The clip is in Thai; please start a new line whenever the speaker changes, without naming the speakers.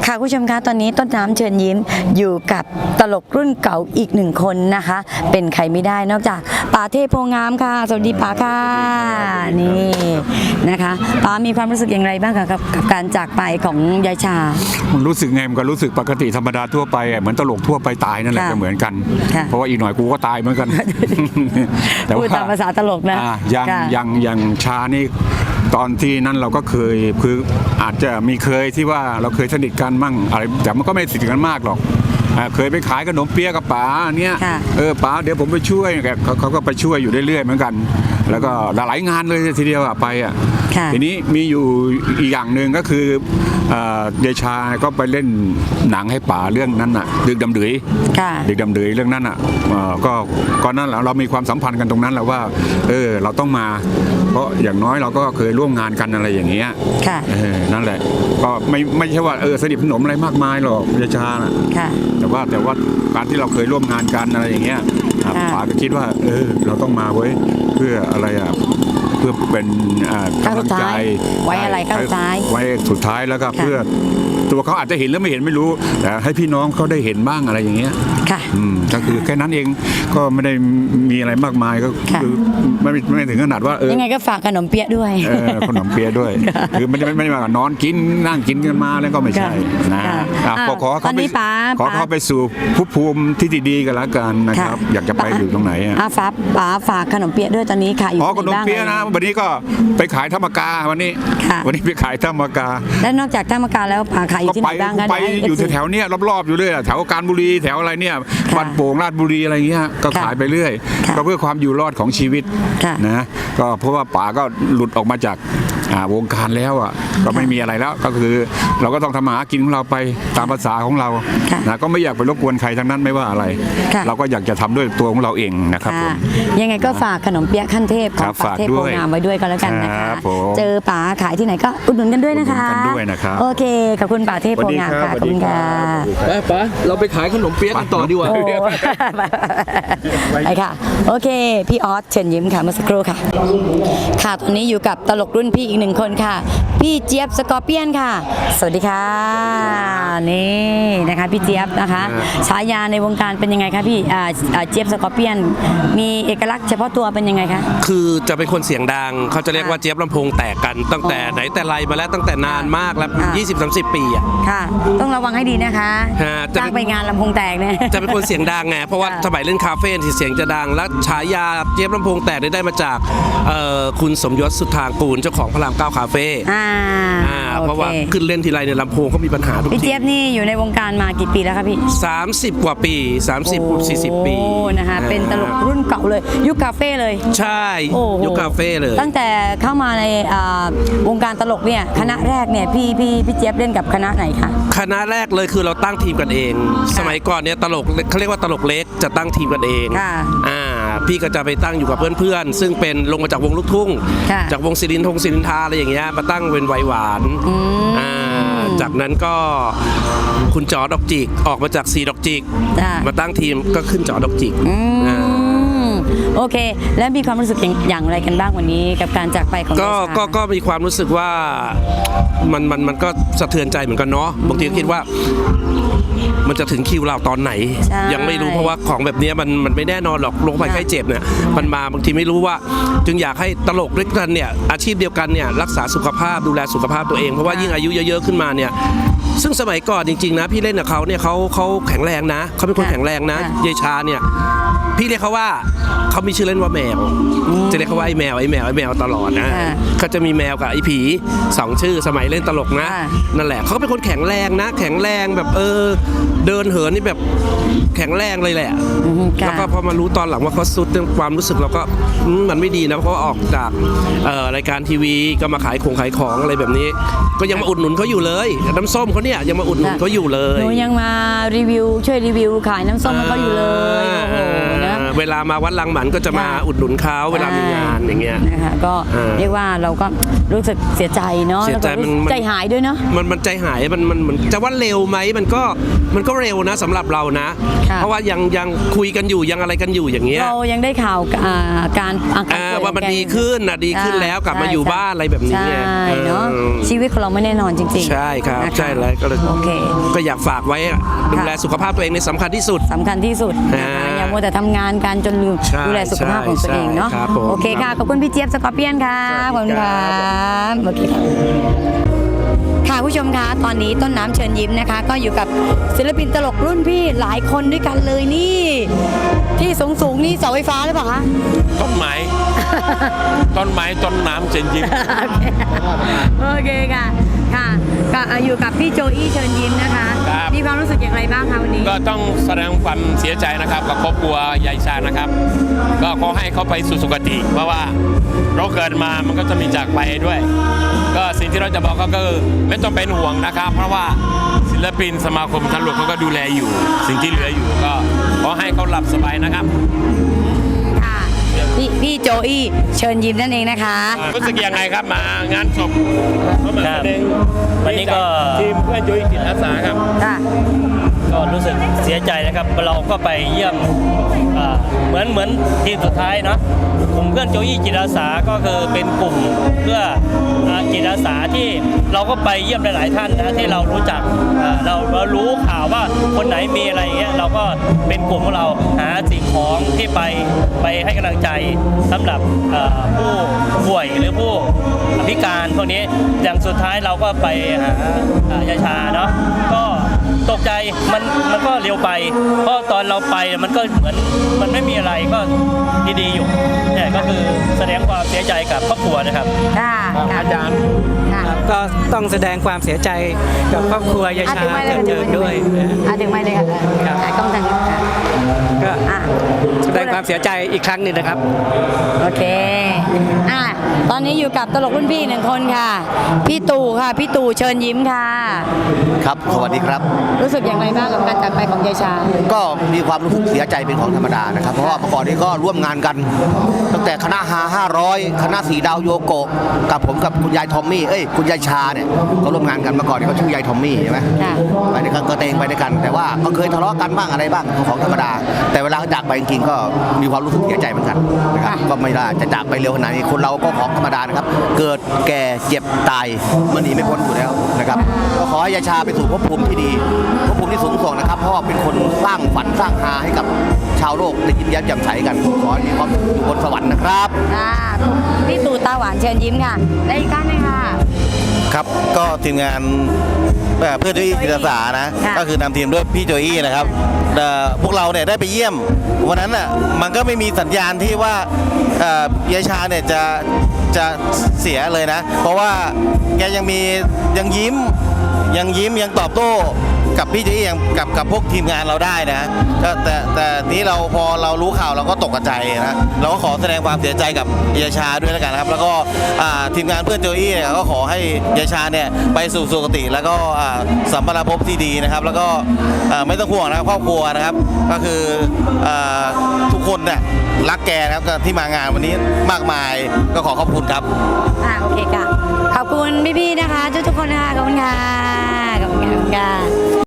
ค่ะคุณผู้ชมคะตอนนี้ต้นน้ำเชิญยิ้มอยู่กับตลกรุ่นเก่าอีกหนึ่งคนนะคะ เป็นใครไม่ได้นอกจากป๋าเทพโพงามค่ะสวัสดีป๋าค่ะนี่นะคะป๋ามีความรู้สึกอย่างไรบ้างกับการจากไปของยายชา
มันรู้สึกไงมันก็รู้สึกปกติธรรมดาทั่วไปเหมือนตลกทั่วไปตายนั่นแหละก็เหมือนกันเพราะว่าอีกหน่อยกูก็ตายเหมือนกัน
แต่ว่าพูดตามภาษาตลกนะ
ยังชานี่ตอนที่นั้นเราก็เคยคืออาจจะมีเคยที่ว่าเราเคยสนิทกันมั่งอะไรแต่มันก็ไม่สนิทกันมากหรอกเคยไปขายขนมเปี๊ยะกับป๋าเนี่ยป๋าเดี๋ยวผมไปช่วยเขาก็ไปช่วยอยู่เรื่อยๆเหมือนกันแล้วก็หลายงานเลยทีเดียวไปทีนี้มีอยู่อีกอย่างหนึ่งก็คือเดชาก็ไปเล่นหนังให้ป๋าเรื่องนั้นน่ะดึกดำดือยดึกดำดือยเรื่องนั้นน่ะก็นั่นแหละเรามีความสัมพันธ์กันตรงนั้นแหละว่าเราต้องมาเพราะอย่างน้อยเราก็เคยร่วมงานกันอะไรอย่างเงี้ยนั่นแหละก็ไม่ใช่ว่าสนิทสนมอะไรมากมายหรอกเดชาน่ะแต่ว่าการที่เราเคยร่วมงานกันอะไรอย่างเงี้ยป๋าก็คิดว่าเราต้องมาไว้เพื่ออะไรเพื่อเป็นกำลังใจ
ไว้อะไรก้าวสุดท้าย
ไว้สุดท้ายแล้วก็เพื่อตัวเขาอาจจะเห็นหรือไม่เห็นไม่รู้แต่ให้พี่น้องเขาได้เห็นบ้างอะไรอย่างเงี้ยก็คือแค่นั้นเองก็ไม่ได้มีอะไรมากมายก็คือไม่ถึงขนาดว่า
ยังไงก็ฝากขนมเปี๊ยะด้วย
ขนมเปี๊ยะด้วยคือไม่ได้มานอนกินนั่งกินกันมาแล้วก็ไม่ใช่นะขอเขาไปสู่ภูมิที่ดีๆกันแล้วกันนะครับอยากจะไปอยู่ตรงไหน
ฝากขนมเปี๊ยะด้วยตอนนี้ขายอยู่
ขนมเปี๊ยะนะวันนี้ก็ไปขายธรรมกาวันนี้ไปขายธรรมกา
และนอกจากธรรมกาแล้วขายอยู่ที่ไหนบ้าง
ไปอยู่แถวๆนี้รอบๆอยู่เรื่อยแถวกาญบุรีแถวอะไรเนี่ยบ้านโป่งราชบุรีอะไรเงี้ยก็ขายไปเรื่อยก็เพื่อความอยู่รอดของชีวิตนะก็เพราะว่าป๋าก็หลุดออกมาจากวงการแล้วก็ไม่มีอะไรแล้วก็คือเราก็ต้องทำมาหากินของเราไปตามภาษาของเรานะก็ไม่อยากไปรบกวนใครทั้งนั้นไม่ว่าอะไรเราก็อยากจะทำด้วยตัวของเราเองนะครับผม
ยังไงก็ฝากขนมเปี๊ยะขั้นเทพของป๋าเทพโพงามไว้ด้วยก็แล้วกันนะคะเจอป๋าขายที่ไหนก็อุดหนุนกันด้วยนะคะโอเคขอบคุณป๋าเทพโพงามค่ะขอบคุณค่ะ
ป๋าเราไปขายขนมเปี๊ยะกันต่อดีกว่า
ไปค่ะโอเคพี่ออสเชิญยิ้มค่ะเมื่อสักครู่ค่ะค่ะตอนนี้อยู่กับตลกรุ่นพี่อีกหนึ่งคนค่ะพี่เจี๊ยบสกอร์เปียนค่ะสวัสดีค่ะนี่นะคะพี่เจี๊ยบนะคะฉายาในวงการเป็นยังไงคะพี่เจี๊ยบสกอร์เปียนมีเอกลักษณ์เฉพาะตัวเป็นยังไงคะ
คือจะเป็นคนเสียงดังเขาจะเรียกว่าเจี๊ยบลำโพงแตกกันตั้งแต่ไหนแต่ไรมาแล้วตั้งแต่นานมากแล้ว20-30 ปี
ค่ะต้องระวังให้ดีนะคะจ้างไปงานลำโพงแตกเนี่ย
จะเป็นคนเสียงดังไงเพราะว่าสมัยเล่นคาเฟ่ที่เสียงจะดังและฉายาเจี๊ยบลำโพงแตกได้มาจากคุณสมยศสุทธางกูลเจ้าของพระราม9คาเฟ่เพราะว่าขึ้นเล่นทีไรในลำโพงเขามีปัญหาทุกที
พี่เจี๊ยบนี่อยู่ในวงการมากี่ปีแล้วครับพี่
30 กว่าปี30-40 ปี
นะคะเป็นตลกรุ่นเก่าเลยยุคคาเฟ่เลย
ใช่ยุคคาเฟ่เลย
ตั้งแต่เข้ามาในวงการตลกเนี่ยคณะแรกเนี่ยพี่เจี๊ยบเล่นกับคณะไหนคะ
คณะแรกเลยคือเราตั้งทีมกันเองสมัยก่อนเนี่ยตลกเขาเรียกว่าตลกเล็กจะตั้งทีมกันเองพี่ก็จะไปตั้งอยู่กับเพื่อนๆซึ่งเป็นลงมาจากวงลูกทุ่งจากวงศิรินทราอะไรอย่างเงี้ยมาตั้งเป็นไวหวานจากนั้นก็คุณจอดอกจิกออกมาจาก4ดอกจิกมาตั้งทีมก็ขึ้นจอดอกจิก
โอเคแล้วมีความรู้สึกอย่างไรกันบ้างวันนี้กับการจากไปของ
ก็มีความรู้สึกว่ามันก็สะเทือนใจเหมือนกันเนาะบางทีก็คิดว่ามันจะถึงคิวเราตอนไหนยังไม่รู้เพราะว่าของแบบนี้มันไม่แน่นอนหรอกโรคภัยไข้เจ็บเนี่ยมันมาบางทีไม่รู้ว่าจึงอยากให้ตลกด้วยกันเนี่ยอาชีพเดียวกันเนี่ยรักษาสุขภาพดูแลสุขภาพตัวเองเพราะว่ายิ่งอายุเยอะๆขึ้นมาเนี่ยซึ่งสมัยก่อนจริงๆนะพี่เล่นกับเขาเนี่ยเขาแข็งแรงนะเขาเป็นคนแข็งแรงนะเยชาเนี่ยพี่เรียกเขาว่าเขามีชื่อเล่นว่าแมวจะเรียกเขาว่าไอ้แมวตลอดนะเขาจะมีแมวกับไอ้ผี2ชื่อสมัยเล่นตลกนะนั่นแหละเขาเป็นคนแข็งแรงนะแข็งแรงแบบเดินเหินนี่แบบแข็งแรงเลยแหละแล้วก็พอมารู้ตอนหลังว่าเขาสุดเรื่องความรู้สึกเราก็มันไม่ดีนะเพราะออกจากรายการทีวีก็มาขายของอะไรแบบนี้ก็ยังมาอุดหนุนเขาอยู่เลยน้ำส้มเขาเนี่ยยังมาอุดหนุนเขาอยู่เลย
หนูยังมารีวิวช่วยรีวิวขายน้ำส้มเขาอยู่เลยโอ้โหนะ
เวลามาวัดลังหมันก็จะมาอุดหนุนเขาเวลามีงานอย่างเงี้ย
นะคะก็
เรี
เรียกว่าเราก็รู้สึกเสียใจเนาะ
เสียใจ
แล้วก็รู้สึก
มัน
ใจหายด้วยเนาะ
มันใจหายมันจะว่าเร็วไหมมันก็เร็วนะสำหรับเรานะ
ค่ะ
เพราะว่ายังขึ้นกันอยู่ยังอะไรกันอยู่อย่างเงี้ย
เรายังได้ข่าวการอาการป่วย
ว่ามัน
ของแก
ดีขึ้นนะดีขึ้นแล้วกลับมาอยู่บ้านอะไรแบบนี้ไง
ใช่เนาะ
เออ
ชีวิตของเราไม่แน่นอนจริงๆ
ใช่ครับ
นะคะ
ใช่แล้วก็เลย
โอเค
ก็อยากฝากไว้อะดูแลสุขภาพตัวเองในสำคัญที่สุด
สำคัญที่สุดนะคะ อย่ามัวแต่ทำงานกันจนลืม
ใช่
ดูแลสุขภาพของตัวเองเนาะ
ใช่ครับผม
โอเคค่ะ ขอบคุณพี่เจี๊ยบสกอร์เปียนค่ะขอบคุณครับโอเคค่ะผู้ชมคะตอนนี้ต้นน้ำเชิญยิ้มนะคะ ก็อยู่กับศิลปินตลกรุ่นพี่หลายคนด้วยกันเลยนี่ ที่สูงๆนี่เสาไฟฟ้าหรือเปล่าคะ
ต้นไม้ ต้นไม้ต้นน้ำเจนยิ้ม
โอเคค่ะค่ะก็อยู่กับพี่โจอี้เชิญยิ้มนะคะ
ครับ
มีความรู้สึกอย่างไรบ้างคะวันนี้
ก็ต้องแสดงความเสียใจนะครับกับครอบครัวยายชานะครับ ก็ขอให้เขาไปสู่สุคติ เพราะว่าเราเกิดมามันก็จะมีจากไปด้วย ก็สิ่งที่เราจะบอกก็คือไม่ต้องเป็นห่วงนะครับ เพราะว่าศิลปินสมาคมตำรวจเขาก็ดูแลอยู่ สิ่งที่เหลืออยู่ก็ขอให้เขาหลับสบายนะครับ
ค่ะพี่โจอี้เชิญยิ้มนั่นเองนะคะ
รู้สึกยังไงครับมางานศพเขามาแสดง
วันนี้ก็
ทีมเพื่อนจุ้ยจิตอาสาครับ
ค่ะ
ก็รู้สึกเสียใจนะครับ เราก็ไปเยี่ยมเหมือนทีมสุดท้ายเนาะกลุ่มเพื่อนโจยี่จิตอาสาก็คือเป็นกลุ่มเพื่อจิตอาสาที่เราก็ไปเยี่ยมหลายๆท่านนะที่เรารู้จักเรารู้ข่าวว่าคนไหนมีอะไรอย่างเงี้ยเราก็เป็นกลุ่มของเราหาสิ่งของที่ไปให้กำลังใจสำหรับผู้ป่วยหรือผู้พิการพวกนี้อย่างสุดท้ายเราก็ไปหายาชาเนาะก็ตกใจมันก็เร็วไป เพราะตอนเราไปมันก็เหมือนมันไม่มีอะไรก็ดีๆอยู่เนี่ยก็คือแสดงความเสียใจกับครอบครัวนะครับ
ค่ะอาจารย์ค่ะ
ก็ต้องแสดงความเสียใจกับครอบครัวยายชาเกิดเจิดด้วย
ถึงไม่เลยค่ะ
ครับ
กล้องทางนี้ค่ะ
ก็
อ่ะ
แสดงความเสียใจอีกครั้งหนึ่งนะครับ
โอเคตอนนี้อยู่กับตลกรุ่นพี่หนึ่งคนค่ะ พี่ตู่ค่ะ พี่ตู่เชิญยิ้มค่ะ
ครับ สวัสดีครับ
รู้สึกอย่างไรบ้างกับการจากไปของยายชา
ก็มีความรู้สึกเสียใจเป็นของธรรมดานะครับ เพราะว่าเมื่อก่อนนี้ก็ร่วมงานกัน ตั้งแต่คณะฮา500 คณะสีดาวโยโกะกับผมกับคุณยายทอมมี่คุณยายชาเนี่ยก็ร่วมงานกันเมื่อก่อนนี้เขาชื่อยายทอมมี่ใช่ไหม
ค่ะ
ไปด้วยกันก็เตงไปด้วยกัน แต่ว่าก็เคยทะเลาะกันบ้างอะไรบ้างของธรรมดา แต่เวลาเขาจากไปจริงๆก็มีความรู้สึกเสียใจเหมือนกันนะครับก็ไม่ได้จะจากไปเร็วขนาดนี้คนเราก็ของธรรมดานะครับ เกิดแก่เจ็บตายมันหนีไม่พ้นอยู่แล้วนะครับก็ขอให้ยายชาไปสู่ภพภูมิที่ดีภพภูมิที่สูงส่งนะครับเพราะว่าเป็นคนสร้างฝันสร้างหาให้กับชาวโลกได้ยิ้มแย้มแจ่มใสกันขอให้มีความสุขอยู่บนสวรรค์นะครับ
ค่ะพี่ตู่ตาหวานเชิญยิ้มค่ะและอีกท่านหนึงค่ะ
ครับก็ทีมงานเพื่อนโจอี้จิตอาสานะ
ค่ะ
ก็คือนำทีมด้วยพี่โจอี้นะครับพวกเราเนี่ยได้ไปเยี่ยมวันนั้นน่ะมันก็ไม่มีสัญญาณที่ว่ายายชาเนี่ยจะเสียเลยนะ เพราะว่าแกยังยิ้มยังตอบโต้กับพี่โจอี้กับพวกทีมงานเราได้นะก็แต่นี้เราพอเรารู้ข่าวเราก็ตกใจนะเราก็ขอแสดงความเสียใจกับยายชาด้วยแล้วกันนะครับ แล้วก็ทีมงานเพื่อนโจอี้เนี่ยก็ขอให้ยายชาเนี่ยไปสู่สุคติ แล้วก็สัมปรภพที่ดีนะครับ แล้วก็ไม่ต้องห่วงนะครับครอบครัวนะครับ ก็คือทุกคนเนี่ยรักแกนะครับที่มางานวันนี้มากมายก็ขอขอบคุณครับ
โอเคค่ะ ขอบคุณพี่ๆนะคะทุกๆคนนะคะขอบคุณค่ะขอบคุณค่ะ